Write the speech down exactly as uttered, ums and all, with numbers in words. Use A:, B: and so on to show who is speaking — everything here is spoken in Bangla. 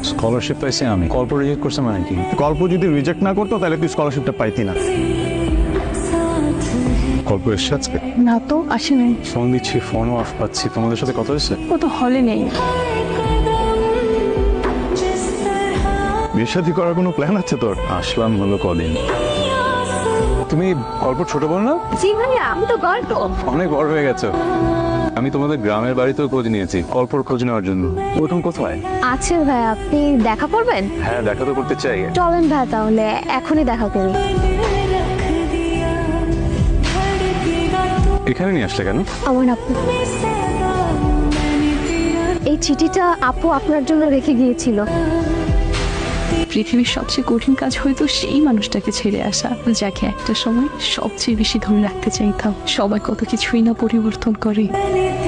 A: স্কলারশিপ পাইছি আমি, কল্প রিজেক্ট করছে মানে কি?
B: গল্প যদি রিজেক্ট না করতো তাহলে তুই স্কলারশিপটা পাইতি না।
A: কল্প এসছে আজকে?
C: না তো, আসে নাই।
A: ফোন দিচ্ছি, ফোনও অফ পাচ্ছি। তোমাদের সাথে কথা হয়েছে?
C: ও তো হলে নেই।
B: বিয়ে শাদী করার কোনো প্ল্যান আছে তোর?
A: আসলাম হলো কদিন। তুমি কল্প ছোট বোন না?
C: জি ভাইয়া, আমি তো গল্প।
A: অনেক বড় হয়ে গেছো। আমি তোমাদের গ্রামের বাড়িতেও খোঁজ নিয়েছি কল্পর খোঁজ নেওয়ার জন্য। ওরকম কোথায়?
C: আছে ভাইয়া, আপনি দেখা করবেন?
A: হ্যাঁ, দেখা তো করতে চাই।
C: চলেন ভাইয়া, তাহলে এখনই দেখা করি।
A: এখানে নিয়ে আসলে কেন?
C: আমার আপু, এই চিঠিটা আপু আপনার জন্য রেখে গিয়েছিল।
D: পৃথিবীর সবচেয়ে কঠিন কাজ হয়তো সেই মানুষটাকে ছেড়ে আসা, যাকে একটা সময় সবচেয়ে বেশি ধরে রাখতে চাইতাম। সবাই কত কিছুই না পরিবর্তন করে।